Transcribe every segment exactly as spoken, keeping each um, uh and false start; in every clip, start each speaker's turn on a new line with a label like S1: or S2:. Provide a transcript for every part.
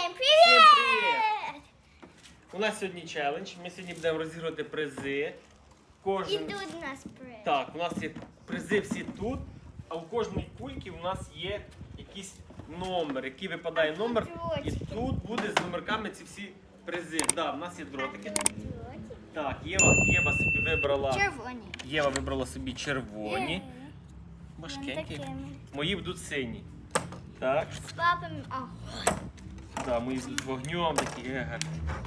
S1: Всім привіт!
S2: привіт! У нас сьогодні челендж. Ми сьогодні будемо розігрувати призи.
S1: І
S2: Кожен...
S1: тут у нас приз.
S2: Так, у нас є призи всі тут, а у кожної кульки у нас є якийсь номер, який випадає
S1: А тут
S2: номер. І
S1: дротики.
S2: тут буде з номерками ці всі призи. Да, у нас є дротики.
S1: Дротики.
S2: Так, Єва, Єва собі вибрала.
S1: Червоні.
S2: Єва вибрала собі червоні.
S1: Е,
S2: Важкенькі.
S1: вон такими.
S2: Мої будуть сині. Так.
S1: З папами. А,
S2: Да, мої будуть вогнем такі. Еге.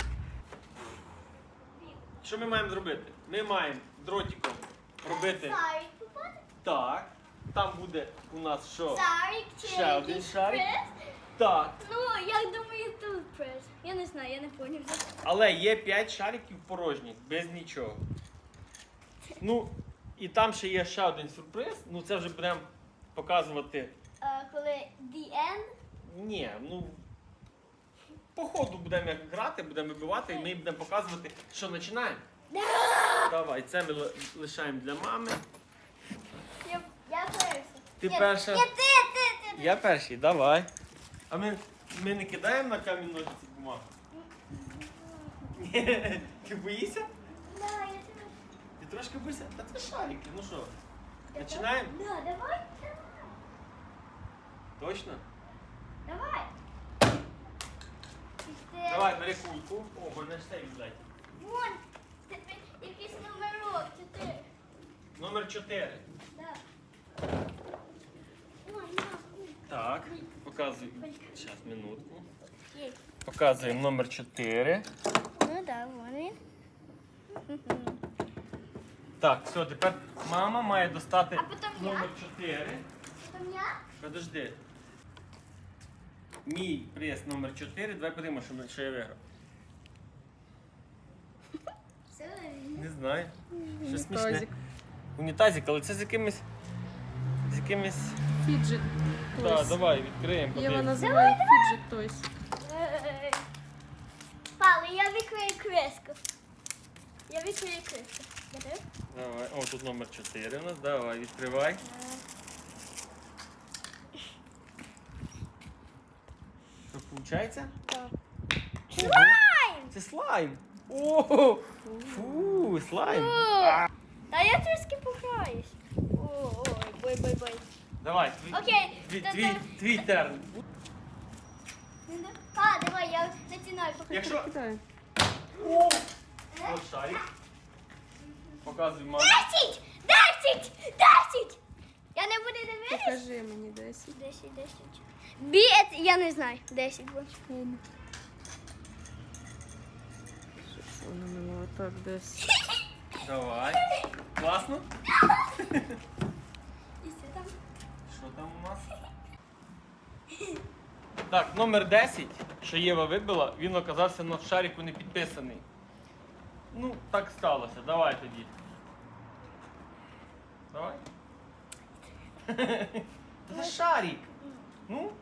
S2: Що ми маємо зробити? Ми маємо дротиком робити
S1: Сарик попаде?
S2: так. Там буде у нас що?
S1: Сарик чи
S2: Ще один
S1: якийсь
S2: шарик.
S1: приз?
S2: Так.
S1: Ну, я думаю, тут приз. Я не знаю, я не поняв.
S2: Але є п'ять шариків порожніх, без нічого. Ну, і там ще є ще один сюрприз. Ну це вже будемо показувати.
S1: А, коли the end?
S2: Ні, ну. По ходу будемо як грати, будемо вибивати, і ми будемо показувати, що починаємо. Давай, це ми ли- лишаємо для мами.
S1: Я, я перша.
S2: Ти
S1: Ні,
S2: перша.
S1: Ні, ти, ти, ти.
S2: Я перший, давай. А ми, ми не кидаємо на камінь ножиці бумагу? Ні. Ти боїшся?
S1: Да, я тебе.
S2: Ти трошки боїшся? Та це шарики, ну що? Починаємо?
S1: Да, давай, давай.
S2: Точно?
S1: Давай. Ти-
S2: Давай, бери кульку. О, мене ж цей віддай.
S1: Вон, тепер якийсь номерок, чотири.
S2: Номер чотири.
S1: Да. Ой, на.
S2: Так, показуй. Зараз, минутку.
S1: Є.
S2: Показуємо номер чотири.
S1: Ну да, вон він.
S2: Так, все, тепер мама має достати
S1: А потім я?
S2: номер чотири.
S1: Там я?
S2: Подожди. Мій приз номер чотири. Давай подивимося, що, ми- що я виграв.
S1: Все.
S2: Не знаю. Що смішне.
S3: Унітазик.
S2: Унітазик, але це з якимись. З якимись.
S3: Фіджит.
S2: Так,
S3: Тойс.
S2: давай, відкриємо.
S3: Єва
S2: подивимось.
S3: називає фіджит тойс.
S1: Пали, я відкрию криску. Я відкрию криску. Готовий?
S2: Давай. О, тут номер чотири у нас. Давай, відкривай. Що виходить?
S1: Так.
S2: Слайм! Це слайм! О! Фу, слайм! А.
S1: Та я трішки пограюсь. Ой, бой, бой, бой.
S2: Давай, твій,
S1: Окей,
S2: твій,
S1: то-
S2: твій,
S1: то-
S2: твій терн.
S1: А, давай, я починаю поки.
S2: Якщо.
S3: Кидаю.
S2: О! От шарик. Показуй мамі.
S1: Десять! Десять! Десять! Я не буду дивитися.
S3: Покажи мені десять.
S1: Десять, десять. Біет, я не знаю. Десять буде.
S3: Що вона мила так десь.
S2: Давай. Класно?
S1: І все там.
S2: Що там у нас? Так, номер десять, що Єва вибила, він оказався на шарику не підписаний. Ну, так сталося. Давай тоді. Давай. Це шарик. Ну?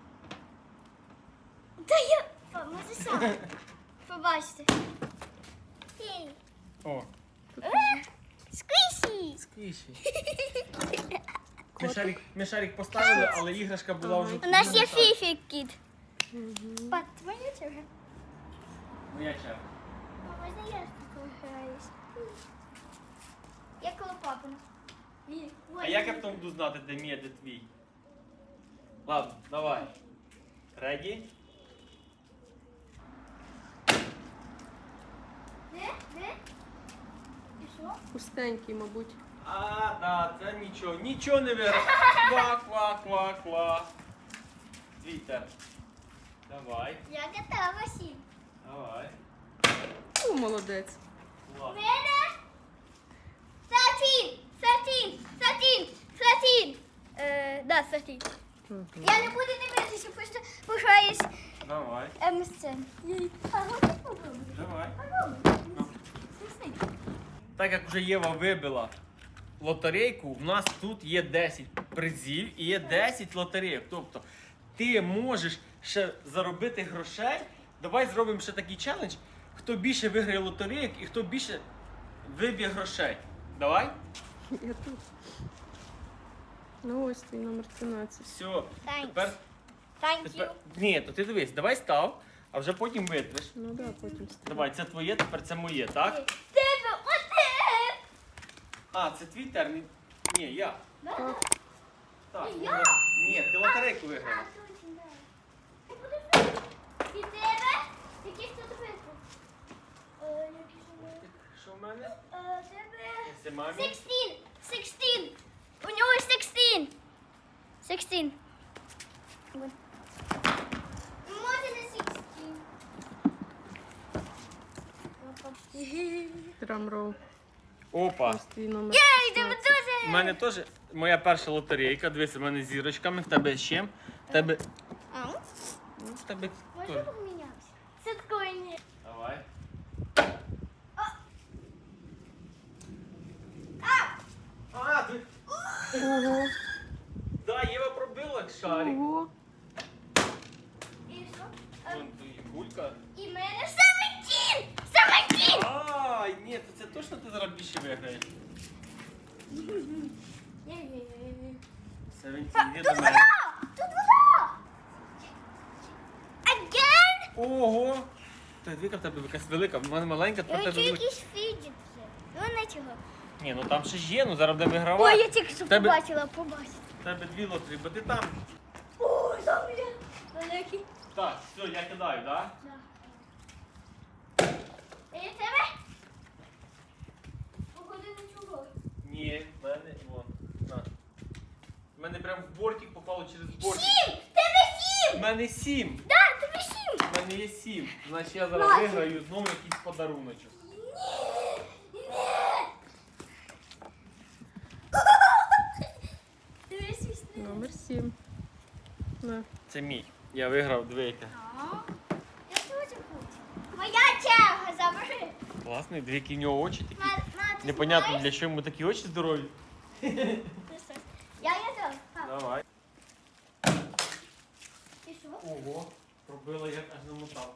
S1: Та я... Па, може сам. Побачите. Ей.
S2: О,
S1: Е, Сквіші.
S2: сквіші. Ми шарик, ми шарик поставили, але іграшка була вже...
S1: У нас є
S2: Ну, так.
S1: фіфі кіт. Пат, твоя черга.
S2: Моя черга.
S1: А можна я ж такою граюсь? Я коло папина. Ні,
S2: А
S1: ой.
S2: як я потім буду знати, де мій, а де твій? Ладно, давай. Реді?
S1: Де? Де? І що?
S3: Пустенький, мабуть.
S2: А, да, це нічого, нічого не виграв. Ква, ква, ква, ква. Твіттер. Давай,
S1: Я готова, Сім.
S2: давай.
S3: О, молодець.
S2: Ладно.
S1: Мене? Сатін! Сатін! Сатін! Сатін! Е, да, Сатін.
S3: Мгм.
S1: Я не буду дивитися, просто пограюсь
S2: Давай,
S1: ем ес це. А, ну ти попробуй.
S2: давай.
S1: Попробуй.
S2: Ну.
S1: Сусик.
S2: Так як вже Єва вибила лотерейку, в нас тут є десять призів і є десять лотерейок. Тобто ти можеш ще заробити грошей. Давай зробимо ще такий челендж. Хто більше виграє лотерейок і хто більше виб'є грошей. Давай?
S3: Я тут. Ну ось твій номер тринадцять.
S2: Все.
S1: Thanks.
S2: Тепер,
S1: Thank you.
S2: тепер... Ні, то ти дивись, давай став. а вже потім витриш.
S3: Ну да, потім стріляй.
S2: Давай, це твоє, тепер це моє, так?
S1: Тебе один!
S2: А, це твій термін. Ні, я.
S3: Так.
S2: Так,
S1: Я?
S2: ну, ні, ти лотерейку
S1: А,
S2: виграв.
S1: точно, да. Ти подивись. І тебе? Який хто тебе виграв? Е, який ж у мене?
S2: Що в мене?
S1: Е, тебе...
S2: Це мамі.
S1: Sixteen! Sixteen! У нього sixteen! Sixteen. Вот. Може не sixteen.
S3: Драмрол.
S2: Опа.
S3: Ось твій номер.
S1: Ей, тебе
S3: шістнадцять.
S1: дуже!
S2: У мене теж моя перша лотерейка. Дивися, в мене з зірочками, в тебе з чим? В тебе.
S1: А?
S2: Ну, в тебе.
S1: Може
S2: теж.
S1: помінятися? Це такое ні.
S2: Давай. А, ти.
S3: Ого.
S2: Да, Єва пробила шарик.
S3: Ого.
S1: І що? Е,
S2: Вон тут є кулька.
S1: І мене seventeen! seventeen!
S2: Ай, ні, то це точно ти зараз більше виграєш.
S1: Є-є-є-є.
S2: Севентін, іди
S1: Тут
S2: до мене.
S1: вода! Тут вода! Again?
S2: Ого! Та двіка в тебе якась велика, в мене маленька,
S1: Я
S2: тепер
S1: хочу
S2: тебе велика.
S1: якийсь фіджит вже. Ну, нічого.
S2: Ні, ну там ще ж є, ну зараз буде
S1: Ой,
S2: вигравати.
S1: я тільки що
S2: Тебе-
S1: побачила, побачила.
S2: В тебе дві лотерії, бо ти там.
S1: Ой, там є великий.
S2: Так, все, я кидаю, так?
S1: І тебе? Походи на чого?
S2: Ні, в мене, вон, на. В мене прям в бортик попало через бортик.
S1: Сім! Тебе
S2: В
S1: сім!
S2: мене сім.
S1: Да, тебе сім!
S2: В мене є сім. Значить я зараз
S1: Нафіг.
S2: виграю знову якийсь подаруночок.
S1: Ні! Тебе свісти.
S3: Номер сім. На.
S2: Це мій. Я виграв двійка.
S1: Я теж хочу. Моя черга, забери.
S2: Класний, двійки в нього очі такі.
S1: Ма- ма, ти
S2: Непонятно,
S1: знаєш?
S2: для чого йому такі очі здорові.
S1: Ти що? Я я теж. А,
S2: Давай.
S1: і що?
S2: Ого, пробила як аж намотав.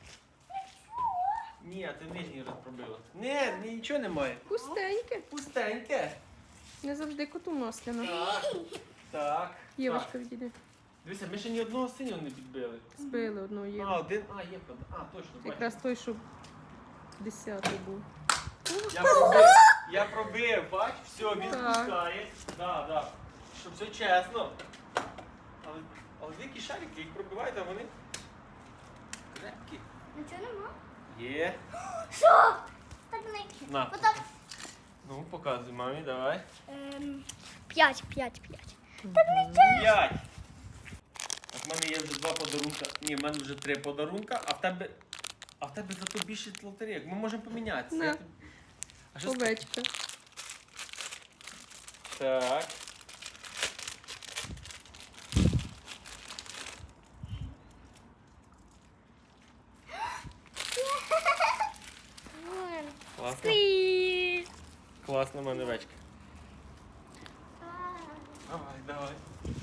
S2: Ні, а ти нижній раз пробила. Не, нічого немає.
S3: Пустеньке.
S2: Пустеньке.
S3: Не завжди коту масляно.
S2: Так. Так.
S3: Євочка,
S2: Так.
S3: відійди.
S2: Дивися, ми ще ні одного синього не підбили.
S3: Збили одного
S2: А,
S3: Єву.
S2: один. А, є правда. А, точно, бачиш.
S3: Якраз той, що десятий був.
S2: Я пробив, я пробив, бач, все, він
S3: Так.
S2: пускає. Да, да. Щоб все чесно. Але, але дикі шарики, їх пробивають, а вони крепкі.
S1: Нічого нема?
S2: Є.
S1: Що? Так не.
S2: На.
S1: Потім.
S2: Ну, показуй мамі, давай.
S1: Ем, п'ять, п'ять, п'ять.
S2: П'ять. Так, в мене є вже два подарунка. Ні, в мене вже три подарунка, а в тебе. А в тебе зато більше лотерейок. Ми можемо помінятися.
S3: На.
S2: Я тобі- А що з-
S3: Овечка.
S2: Так.
S1: Вон.
S2: Класно.
S1: Сквіз.
S2: Класно, в мене овечка.
S1: А.
S2: Давай, давай.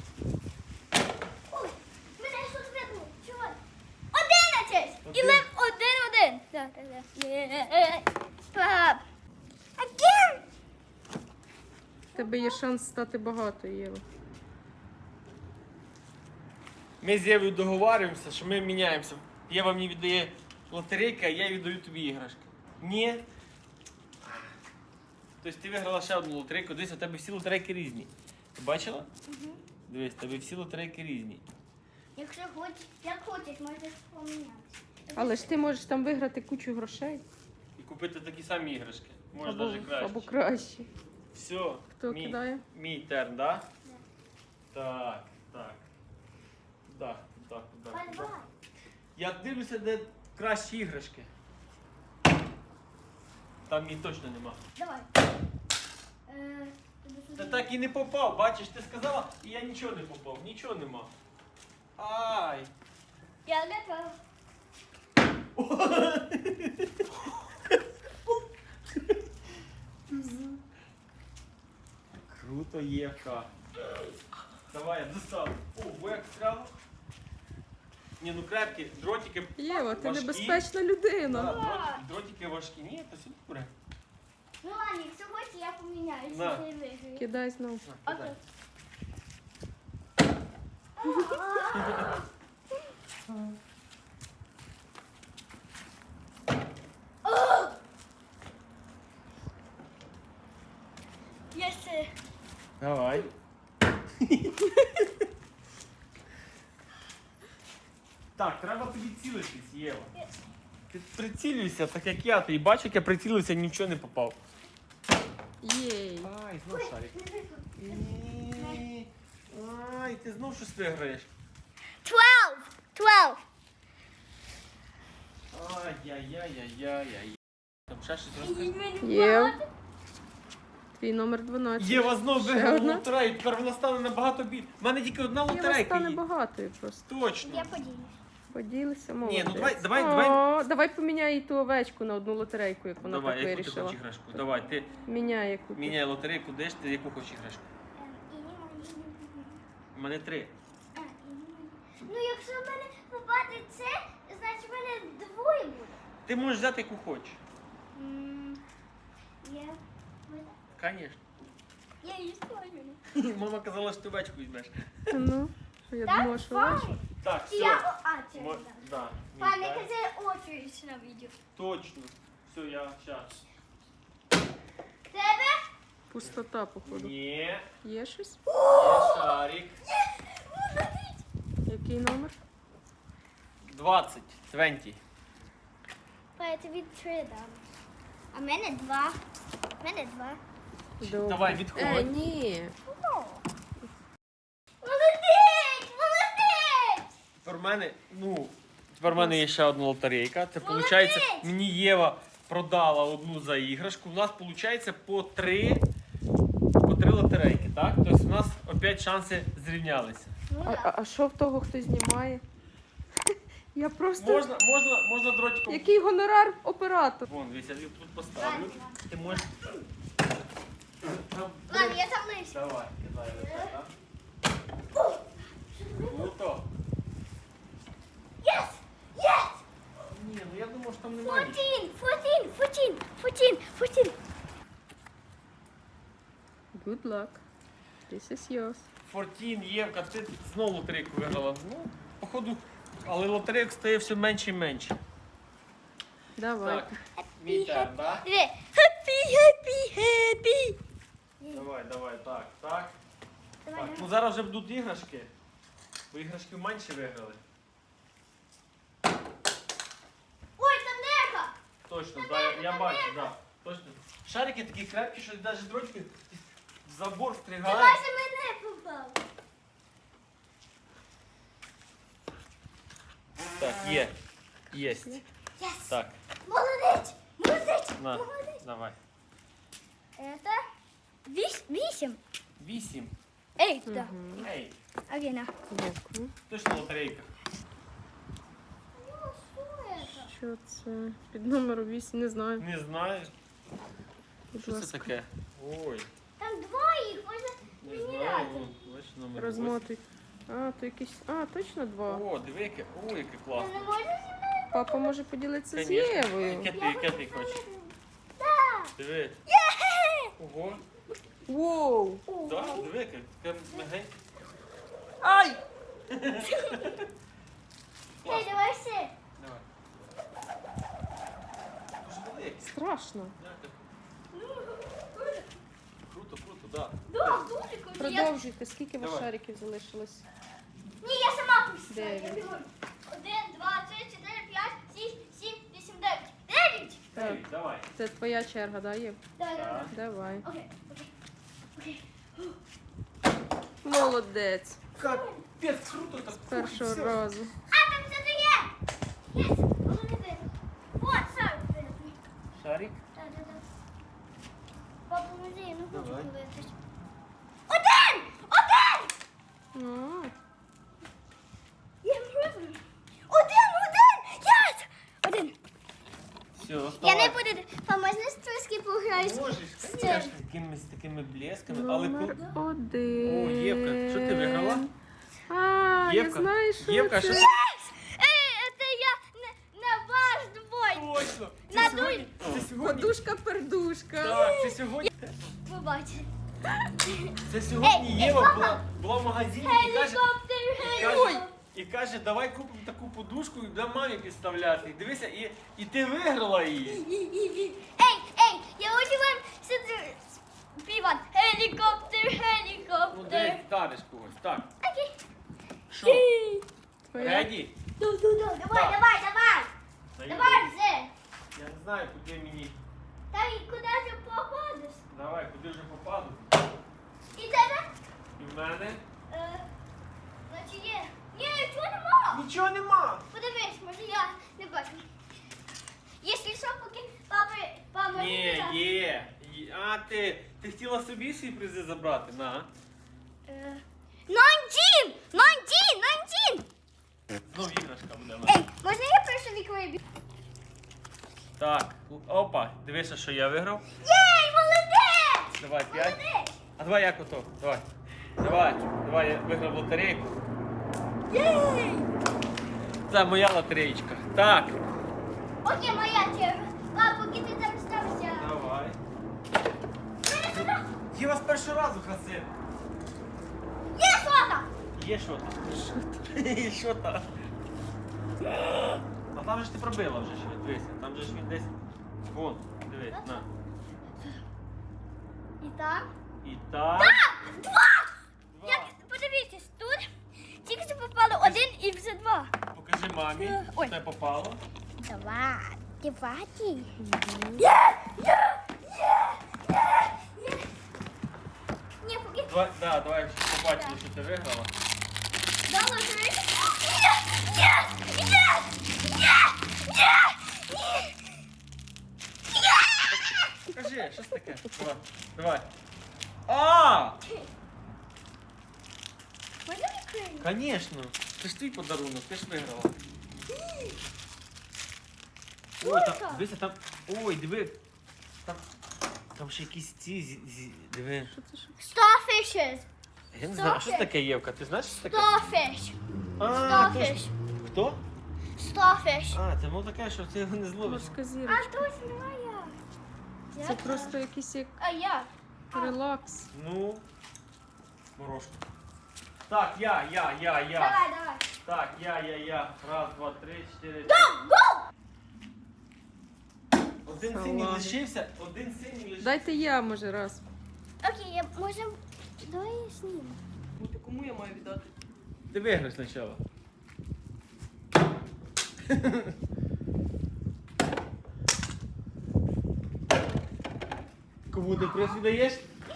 S1: Ой, мене щось видно. Чого? Одинадцять! І
S2: Один.
S1: лев один-один. Так, так, так. Є. Пап. Again.
S3: В тебе є шанс стати багатою, Єва.
S2: Ми з Євою договарюємося, що ми міняємося. Єва мені віддає лотерейки, а я віддаю тобі іграшки. Ні. Тобто ти виграла ще одну лотерейку. Дивись, у тебе всі лотерейки різні. Ти бачила?
S1: Угу.
S2: Дивись, у тебе всі лотерейки різні.
S1: Якщо хочеш, як хочеш, можеш помінятися.
S3: Але ж ти можеш там виграти кучу грошей.
S2: І купити такі самі іграшки. Може
S3: Або,
S2: навіть краще.
S3: або краще.
S2: Все.
S3: Хто
S2: мій,
S3: кидає?
S2: Мій терн, да? Так, так. Туди, туди, туди, туди.
S1: Давай.
S2: Я дивлюся, де кращі іграшки. Там її точно нема.
S1: Давай. Е, тобі сюди.
S2: Та так і не попав, бачиш, ти сказала, і я нічого не попав, нічого нема. Ай!
S1: Я готова.
S2: Круто, Євка. Давай, я достану. О, як скрало. Ні, ну крепкі, дротики.
S3: Єва, ти
S2: важкі.
S3: небезпечна
S2: Да,
S3: людина.
S2: дротики, дротики важкі. Ні, то все добре.
S1: Ну ладно, якщо хочеш, я поміняюся.
S2: На.
S1: Ти виграєш.
S3: Кидай знову.
S2: На,
S1: Окей.
S2: кидай. Давай. Так, треба тобі цілитись, Єва. Ти прицілюйся, так як я. Ти бачиш, як я прицілився, нічого не попав.
S3: Єй.
S2: Ай, знов шарик. Ні. Ай, ти знов щось виграєш.
S1: Twelve. Twelve.
S2: Ай-яй-яй-яй-яй-яй. Там ще щось розкажи.
S3: Є. Твій номер дванадцять.
S2: Єва знов
S3: Ще
S2: виграла
S3: одна?
S2: лотерею, тепер вона стане набагато більше. У мене тільки одна
S3: Єва
S2: лотерейка
S3: стане
S2: є.
S3: багатою просто.
S2: Точно.
S1: Я поділюсь.
S3: Поділися,
S2: Ні,
S3: молодець.
S2: ну давай, давай,
S3: О,
S2: давай.
S3: давай поміняй їй ту овечку на одну лотерейку, як вона
S2: Давай,
S3: так
S2: яку ти
S3: вирішила.
S2: хочеш іграшку? Давай, ти
S3: Міняй яку. ти.
S2: міняй лотерейку, де ж ти яку хочеш іграшку? У мене три.
S1: Ну, якщо в мене попаде це, значить в мене двоє буде.
S2: Ти можеш взяти яку хочеш.
S1: М, Я...
S2: Звісно.
S1: Я її спалю.
S2: Мама казала, що ти овечку візьмеш.
S3: Ну, що я
S1: Так,
S3: думала, що овечка.
S1: файн.
S2: Так,
S1: І я...
S2: все.
S1: о- А, це
S2: Мо-
S1: не так.
S2: Да.
S1: Пане,
S2: Ні, так.
S1: казе очередь на відео.
S2: Точно. Все, я щас.
S1: Тебе?
S3: Пустота, походу.
S2: Ні.
S3: Є щось?
S2: Є шарик.
S3: Який номер?
S2: двадцять. двадцять.
S1: Па, я тобі три дам. А в мене два. В мене два.
S3: Добре.
S2: Давай, відходь.
S3: Е, ні.
S1: Молодець! Молодець!
S2: Тепер в мене, ну, тепер в мене є ще одна лотерейка. Це
S1: Молодець!
S2: виходить, мені Єва продала одну за іграшку. У нас виходить по три, по три лотерейки, так? Тобто у нас опять шанси зрівнялися.
S1: Ну,
S3: А, а,
S1: так.
S3: а що в того, хто знімає? Я просто...
S2: Можна, можна, можна дротиком.
S3: Який гонорар оператор?
S2: Вон, дивіться, я тут поставлю.
S1: Ладно.
S2: Ти можеш. Там
S1: Ладно, я там лише.
S2: Давай, кидай оце, так? Круто.
S1: Yes! Yes!
S2: Ні, ну я думав, що там немає.
S1: Fourteen! Fourteen! Fourteen! Fourteen! Fourteen!
S3: Good luck. This is yours.
S2: Фортін, Євка, ти знову лотерейку виграла. Ну, походу, але лотерейок стає все менше і менше.
S3: Давай.
S2: Так, мій терн, так?
S1: Диви. Happy, happy, happy!
S2: Давай, давай, так, так.
S1: Давай,
S2: Так,
S1: давай.
S2: ну зараз вже будуть іграшки. Бо іграшки менше виграли.
S1: Ой, там нерка!
S2: Точно, да, я, я бачу, так. Да. Точно. Шарики такі крепкі, що навіть дротики в забор
S1: Ти
S2: встригають.
S1: майже мене попав.
S2: Так, є. Єсть.
S1: Yes!
S2: Так,
S1: Молодець! Молодець!
S2: на,
S1: Молодець!
S2: давай.
S1: Это віс- вісім.
S2: Вісім.
S1: Ей, да.
S3: Мгм.
S2: Ей,
S1: Окей, на.
S3: Дякую.
S2: точно лотерейка.
S3: Що це? Під номером вісім, не знаю.
S2: Не знаю.
S3: Будь
S2: Що це
S3: ласка.
S2: таке? Ой,
S1: Там два їх, можна
S2: не
S1: мені
S2: знаю.
S1: разом.
S2: Вон, бачиш, номер
S3: Розмотуй. А, то якийсь. А, точно два.
S2: восьмий. О, диви, яке. О, яке
S1: Ти
S2: класне.
S1: не можеш зі мною?
S3: Папа може поділитися з
S2: Конечно.
S3: Євою.
S2: Яке ти, яке ти хочеш?
S1: Так.
S2: Диви.
S1: Є!
S2: Ого.
S3: Воу!
S2: Да, диви, яке. Таке мегеньке.
S3: Ай!
S1: Ей, давай все.
S2: Давай. Дуже велике.
S3: Страшно.
S2: Круто, круто, да.
S1: Да, дуже круто. Я-
S3: Продовжуйте, скільки у вас
S2: Давай.
S3: шариків залишилось?
S1: Ні, я сама пустила.
S3: Дев'ять.
S1: Я бігом. Один, два, три, чотири, п'ять, шість, сім, вісім, дев'ять. Дев'ять!
S3: Так,
S2: Ей, давай.
S3: це твоя черга, да, Єв?
S1: Давай, давай,
S2: Так.
S3: Давай.
S1: давай. Окей, окей, окей.
S3: Молодець.
S2: Капець, круто так.
S3: З першого
S2: Все.
S3: разу.
S1: А, там все є! Єс, воно не видно. Вот, сам видно.
S2: Шарик.
S1: Так, так, так. Папа, музей, ну хочу
S2: Давай.
S1: подивитись. Один! Один!
S3: А,
S1: Я пробую. Один, один! Єс! Один.
S2: Все,
S1: Я не
S2: вставай.
S1: буду... А можна трошки пограюсь?
S2: Можеш,
S1: З
S2: звісно,
S1: цим.
S2: такими, з такими блесками, але
S3: Номер
S2: круто.
S3: один.
S2: О, Євка, що ти виграла?
S3: А,
S2: Євка,
S3: я знаю, що
S2: Євка,
S3: це.
S2: що-
S1: Єс! Ей, це я на, на ваш двой.
S2: Точно! Це
S1: Надуй.
S2: сьогодні, це сьогодні,
S3: Подушка-пердушка.
S2: так, це сьогодні,
S1: Ви бачите.
S2: це сьогодні
S1: Ей,
S2: Єва
S1: папа.
S2: була, була в магазині і каже,
S1: Гелікоптер,
S2: і
S1: гелікоптер.
S2: каже, і каже, давай купимо таку подушку і будемо мамі підставляти. Дивися, і, і ти виграла її.
S1: Ей, ей, я хочу вам сюди Піван. Гелікоптер,
S2: Ну, десь
S1: гелікоптер.
S2: вдариш когось. Так.
S1: Окей.
S2: Що?
S3: Твоя?
S2: Реді?
S1: Ду-ду-ду. Давай,
S2: Так.
S1: давай, давай. Давай вже.
S2: Я не знаю, куди мені.
S1: Та й куди ти походиш?
S2: Давай, куди вже попаду.
S1: І тебе?
S2: І в мене.
S1: Е, Значить є. Ні, нічого нема.
S2: Нічого нема.
S1: Подивись, може я не бачу. Якщо що, поки папа, папа
S2: Ні,
S1: не
S2: є. Є. А ти, ти хотіла собі свої призи забрати? На.
S1: Е, Найнтін! Найнтін! Найнтін!
S2: Знов іграшка буде в мене.
S1: Ей, можна я першу віковий бі?
S2: Так, опа, дивися, що я виграв.
S1: Єй, молодець!
S2: Давай, п'ять.
S1: Молодець!
S2: А давай як ото? Давай. Давай, давай, я виграв лотерейку.
S1: Єй!
S2: Це моя лотереєчка. Так.
S1: Окей, моя черга. Папа, поки ти там стався.
S2: Давай.
S1: Мене сюди.
S2: Я вас першого разу красив.
S1: Є сота!
S2: Є що там? Є що там? А там же ж ти пробила вже що, дивися. Там же ж він десь. Вон, дивись, на.
S1: І там?
S2: І так.
S1: Два!
S2: Два.
S1: Як, подивіться, тут тільки що попало один і вже два.
S2: Покажи мамі,
S1: Ой.
S2: що те попало.
S1: Два. Діваті. Є! Є! Є! Є! Є! Ні, поки
S2: Давай, да, давай щоб побачили, що ти виграла.
S1: дала три. Є! Є! Є! Є! Є!
S2: Покажи, що це таке? Давай. Давай. А!
S1: Можна відкрити?
S2: Конечно. Це ж твій подарунок, ти ж виграла. Ой,
S1: Ой,
S2: там,
S1: так.
S2: дивися, там. Ой, диви. Там, там ще якісь ці. зі- зі- Диви.
S3: Що це що?
S1: Starfishes.
S2: Я не знаю, що це таке, Євка? Ти знаєш, що це таке?
S1: Starfish.
S2: А,
S1: Starfish.
S2: точно. Хто?
S1: Starfish.
S2: А, це воно таке, що ти його не зловиш.
S3: Морська
S1: А
S3: зірочка.
S1: точно моя.
S3: Це просто якийсь як
S1: А я.
S3: релакс.
S2: Ну. Морошка. Так, я, я, я, я.
S1: Давай, давай.
S2: Так, я, я, я. Раз, два, три, чотири.
S1: Go, go!
S2: Один
S3: Салами.
S2: синій лишився, один синій лишився.
S3: Дайте я, може, раз.
S1: Окей, я можем. Давай я зніму.
S3: Кому я маю віддати?
S2: Ти виграй спочатку. Кому ти приз віддаєш?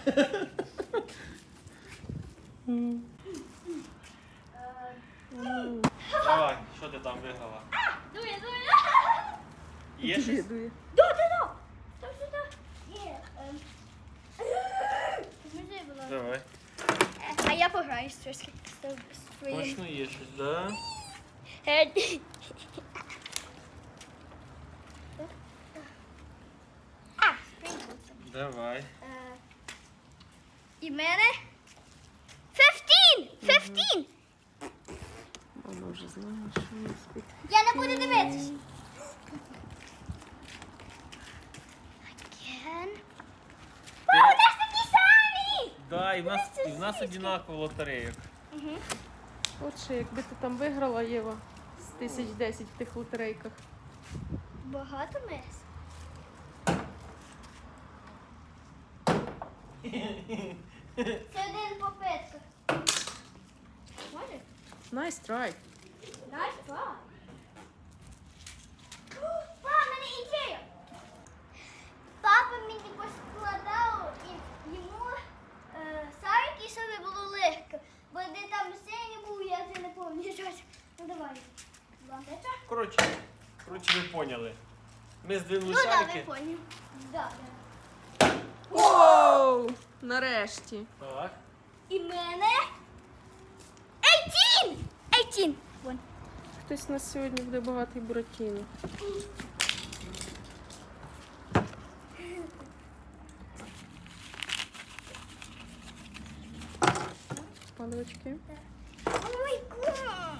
S2: Давай, що ти там виграла?
S1: Дує, дує.
S2: Є щось?
S3: Дує.
S1: Да, да, да. Там сюди. Є. ем. Візьми, будь ласка.
S2: Давай.
S1: Е, А я пограю з трошки з з твоїм.
S2: Точно є щось, да?
S1: Е, А, сприймуться.
S2: Давай.
S1: Е, І в мене fifteen! fifteen!
S3: Мама вже знає, що не спить.
S1: Я не буду дивитися. Again. О, у нас такі самі!
S2: Да, і в нас, і в нас одинаково лотереїк.
S1: Угу.
S3: От ще, якби ти там виграла, Єва, з тисяч десять в тих лотерейках.
S1: Багато мес. Це один попитка. Може?
S3: Nice try.
S1: Nice try. Папа, в мене ідея. Папа мені поскладав і йому е, сарики, щоб було легко. Бо де там синій був, я це не пам'ятаю. Ну давай. Лампочка.
S2: Коротше, коротше, ви поняли. Ми здвинули
S1: Ну да, ви
S2: шарики.
S1: поняли. Да, да.
S3: Оу! Нарешті.
S2: Так.
S1: І в мене eighteen! eighteen! Вон.
S3: Хтось у нас сьогодні буде багатий Буратіно. Паливочки.
S1: Ой, гад!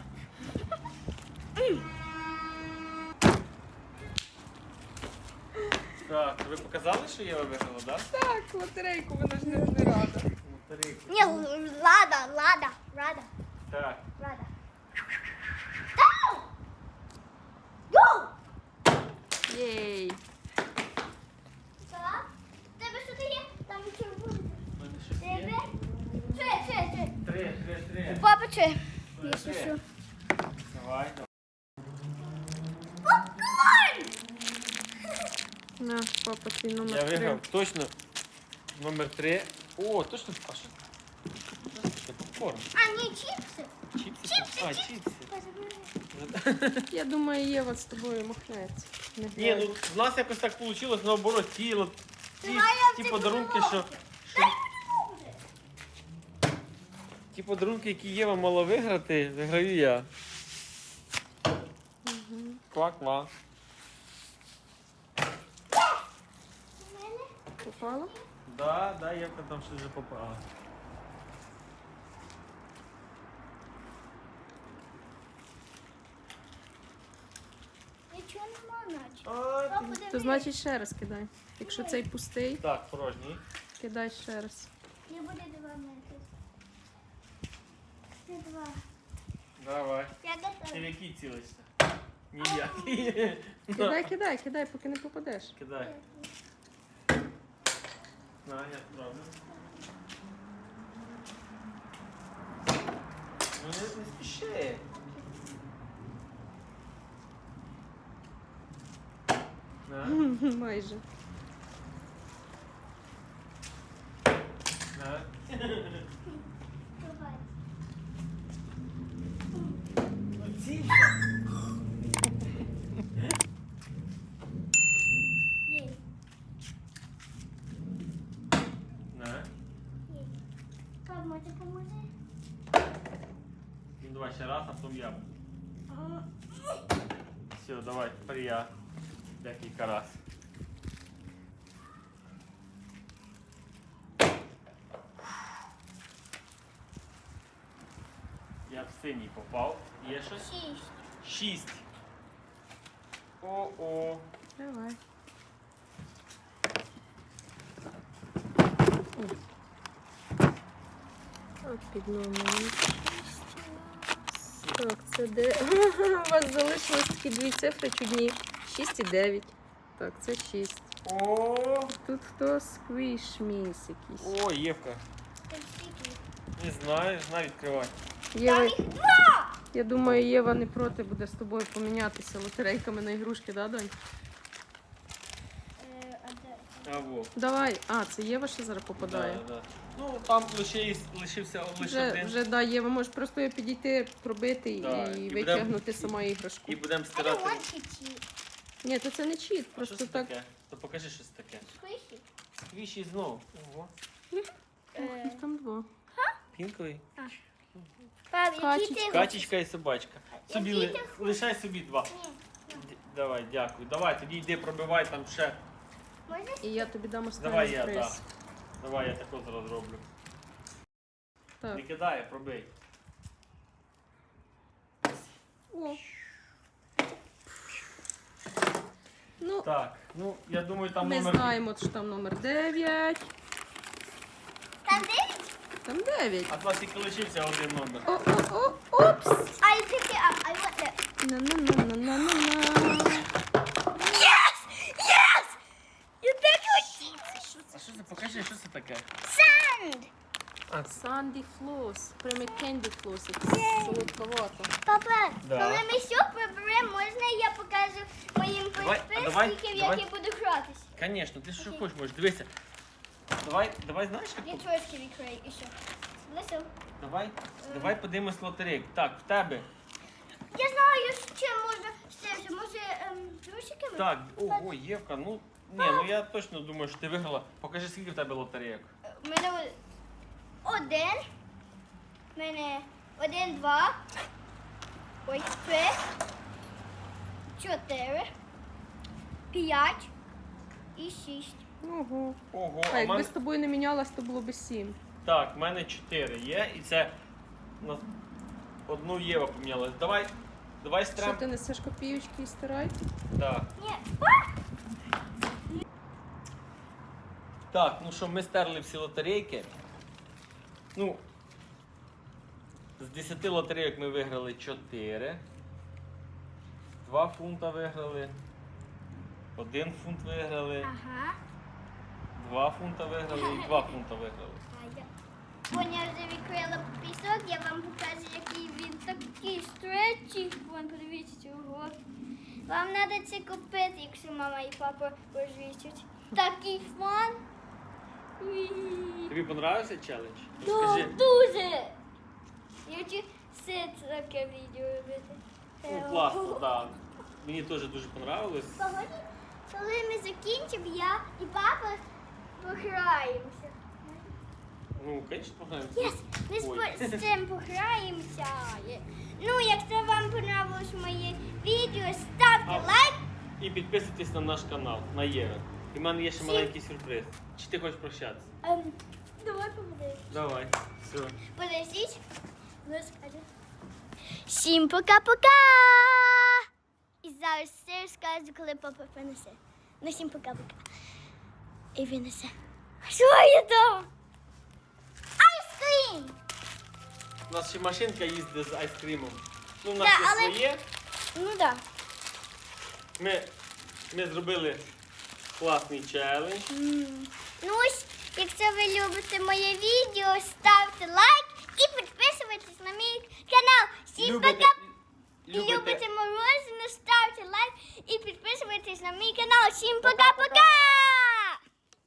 S2: Так, ви показали, що Єва виграла, так?
S3: Так, лотерейку, вона ж не, не рада.
S2: Лотерейку.
S1: Ні, лада, лада, рада,
S2: Так.
S1: рада. Go! Go!
S3: Єй!
S1: Так? Тебе що є? Там червоний. Коротше, якщо що.
S2: Давай, давай.
S3: На, папа, твій
S2: Я
S3: номер три.
S2: виграв точно номер три. О, точно. А що? Це попкорн.
S1: А, ні, чіпси.
S2: Чіпси?
S1: Чіпси,
S2: А,
S1: чіпси.
S2: чіпси.
S3: Я думаю, Єва з тобою махнеться. Не
S2: Ні,
S3: знаю.
S2: ну в нас якось так вийшло, наоборот, ті, от- ті,
S1: Давай я
S2: ті
S1: в
S2: подарунки,
S1: цю
S2: що, що ті подарунки, які Єва мала виграти, виграю я.
S3: Мгм.
S2: Ква-ква.
S3: Попала?
S2: Да, да, Євка там щось вже попала.
S1: Нічого нема, наче.
S2: А,
S1: Папа,
S2: ти-
S1: диви.
S3: То значить ще раз кидай. Якщо цей пустий,
S2: Так, порожній.
S3: кидай ще раз.
S1: Не буде два метри. Це два.
S2: Давай.
S1: Я
S2: Ти в
S1: готова.
S2: який цілишся? Ніякий.
S3: Кидай, кидай, кидай, поки не попадеш.
S2: Кидай. На, я справлю. Ну не, не спіши. На,
S3: Майже.
S2: на.
S1: Давай.
S2: Оцінка.
S1: Є.
S2: На.
S1: Є. Пап, може поможи?
S2: Ну давай ще раз, а потім я. Все, давай, тепер я. Декілька раз. Я в синій попав. Є щось?
S1: Шість.
S2: Шість. О-о.
S3: Давай. От під номером. Так, це де? У вас залишилось такі дві цифри чудні. шість і дев'ять. Так, це шість.
S2: О,
S3: Тут хто сквіш міс якийсь.
S2: о, Євка.
S1: Це скільки?
S2: Не знаю, знаю відкривати.
S3: Єва,
S1: Там їх два!
S3: я думаю, Єва не проти буде з тобою помінятися лотерейками на ігрушки, да, донь?
S1: Е, а де?
S2: А во.
S3: Давай. А, це Єва ще зараз попадає.
S2: Да, да. Ну, там лише є- лишився лише
S3: Вже,
S2: один.
S3: вже да, Єва, можеш просто її підійти, пробити
S2: Да,
S3: і,
S2: і
S3: витягнути
S2: будем-
S3: сама іграшку.
S2: І будемо
S1: А
S2: стирати.
S1: я want to cheat.
S3: Ні, то це не чіт,
S2: А
S3: просто
S2: що це
S3: так.
S2: таке? То покажи щось таке.
S1: Squishy.
S2: Сквіші знову. Ого.
S1: Е,
S3: Там два.
S2: Пінковий.
S1: Пап, який
S3: Качечка.
S1: ти хочеш?
S2: Качечка і собачка. Собі
S1: Який
S2: ли-
S1: ти хочеш?
S2: лишай собі два.
S1: Ні.
S2: Д- Давай, дякую. Давай, тоді йди пробивай там ще.
S1: Можна?
S3: І я тобі дам
S2: Давай
S3: останній
S2: я,
S3: приз.
S2: так. Давай я тако зараз зроблю.
S3: Так.
S2: Не кидай, а пробий.
S3: О. Ну,
S2: Так, ну я думаю, там
S3: ми
S2: номер.
S3: знаємо, що там номер дев'ять.
S1: Там дев'ять?
S3: Там дев'ять.
S2: А в нас тільки лишився один номер.
S3: О, о, о, опс.
S1: I pick it up. I want that.
S3: На-на-на-на-на-на.
S1: Yes! Yes! You pick it!
S2: А що це? Покажи, що це таке?
S1: Sand!
S2: А,
S3: Санді флос. Прямо кенді флос. Якийсь солодковато.
S1: Папа,
S2: Да.
S1: коли ми все приберемо, можна я покажу моїм
S2: Давай, а давай,
S1: підписникам,
S2: давай.
S1: як я буду гратись?
S2: Звісно, ти що
S1: Окей.
S2: хочеш, можеш. Дивися. Давай, давай, знаєш,
S1: Я
S2: як?
S1: трошки відкрию і що? Лису.
S2: Давай, давай подивимось лотерейку. Так, в тебе.
S1: Я знаю, що можна ще, що може ем, трусиками?
S2: Так, ого, Євка, ну. Ні, ну я точно думаю, що ти виграла. Покажи, скільки в тебе лотерейок.
S1: У мене о- один. У мене один, два. Ой, три. Чотири. П'ять. І шість.
S3: Ого.
S2: Ого,
S3: А
S2: а в
S3: якби
S2: мене...
S3: з тобою не мінялась, то було б сім.
S2: Так, в мене чотири є, і це на одну Єва помінялась. Давай, давай
S3: Що
S2: стрем.
S3: ти несеш копійочки і стирай?
S2: Так.
S1: Ні.
S2: Так, ну що, ми стерли всі лотерейки. Ну, з десяти лотерейок ми виграли чотири. два фунта виграли. один фунт виграли.
S1: Ага.
S2: два фунта виграли і два фунта виграли.
S1: А я. Поня вже відкрила пісок, я вам покажу, який він такий стречий. Вон, подивіться цього. Вам треба це купити, якщо мама і папа розвісять. Такий фан.
S2: Тобі понравився челендж?
S1: Ну,
S2: Розкажи.
S1: дуже. Я хочу все таке відео робити.
S2: Ну, класно, так. Мені теж дуже понравилось.
S1: Погоді, коли ми закінчимо, я і папа пограємося.
S2: Ну, звісно, пограємо.
S1: Єс, ми з,
S2: Ой.
S1: по- з цим пограємося. Є. Ну, якщо вам понравилось моє відео, ставте
S2: А.
S1: лайк.
S2: І підписуйтесь на наш канал, на Єра. І в мене є ще
S1: Всім-
S2: маленький сюрприз. Чи ти хочеш прощатися?
S1: Ем, давай помоги.
S2: Давай. Все.
S1: Подождіть. Ви скажете. Всім пока-пока! І зараз все розкажу, коли папа принесе. Ну, всім пока-пока. І винесе. Що є там? Айскрім!
S2: У нас ще машинка їздить з айскримом. Ну, у
S1: Да,
S2: нас є
S1: але-
S2: своє.
S1: Ну так. Да.
S2: Ми, ми зробили класний челендж.
S1: М. Ну ось, якщо ви любите моє відео, ставте лайк і підписуйтесь на мій канал. Всім
S2: Любите,
S1: пока! І
S2: любите,
S1: любите морозиво, ставте лайк і підписуйтесь на мій канал. Всім пока!